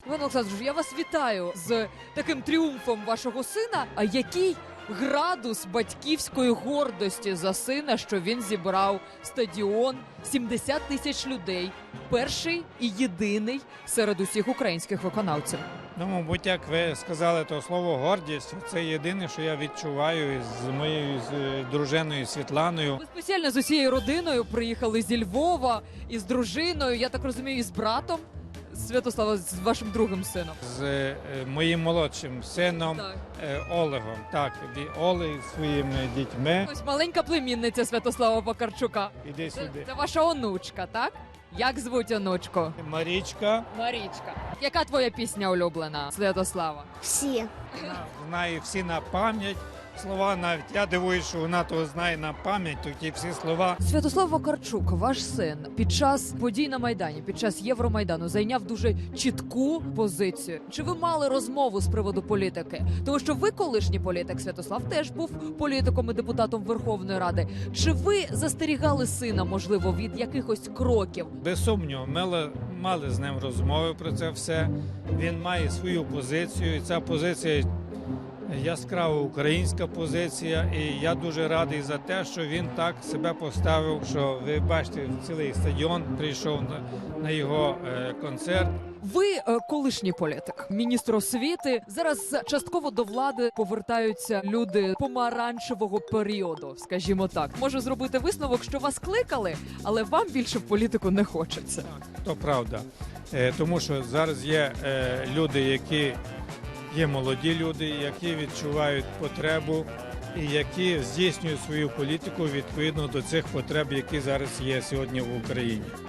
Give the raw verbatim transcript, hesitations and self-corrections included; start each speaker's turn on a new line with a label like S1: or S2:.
S1: Іван Олександрович, я вас вітаю з таким тріумфом вашого сина. А який градус батьківської гордості за сина, що він зібрав стадіон, сімдесят тисяч людей, перший і єдиний серед усіх українських виконавців?
S2: Ну, мабуть, як ви сказали, то слово гордість – це єдине, що я відчуваю з моєю з е, дружиною Світланою.
S1: Ви спеціально з усією родиною приїхали зі Львова, із дружиною, я так розумію, і з братом Святослава, з вашим другим сином.
S2: З е, моїм молодшим сином
S1: Так.
S2: е, Олегом. Так, ві- Олег зі своїми дітьми.
S1: Ось маленька племінниця Святослава Покарчука.
S2: Іди
S1: Це,
S2: сюди.
S1: це ваша онучка, так? Як звуть онучку?
S2: Марічка
S1: Марічка. Яка твоя пісня улюблена, Святослава?
S3: Всі.
S2: вона знає всі на пам'ять. Слова навіть я дивуюсь, що вона того знає на пам'ять, то ті всі слова.
S1: Святослав Вакарчук, ваш син, під час подій на Майдані, під час Євромайдану зайняв дуже чітку позицію. Чи ви мали розмову з приводу політики? Тому що ви колишній політик, Святослав теж був політиком і депутатом Верховної Ради. Чи ви застерігали сина, можливо, від якихось кроків?
S2: Без сумніву, ми мали, мали з ним розмови про це все. Він має свою позицію, і ця позиція яскрава українська позиція. І я дуже радий за те, що він так себе поставив, що ви бачите, цілий стадіон прийшов на, на його е, концерт.
S1: Ви е, колишній політик, міністр освіти. Зараз частково до влади повертаються люди помаранчевого періоду, скажімо так. Можу зробити висновок, що вас кликали, але вам більше в політику не хочеться.
S2: То правда. Е, тому що зараз є е, люди, які є молоді люди, які відчувають потребу і які здійснюють свою політику відповідно до цих потреб, які зараз є сьогодні в Україні.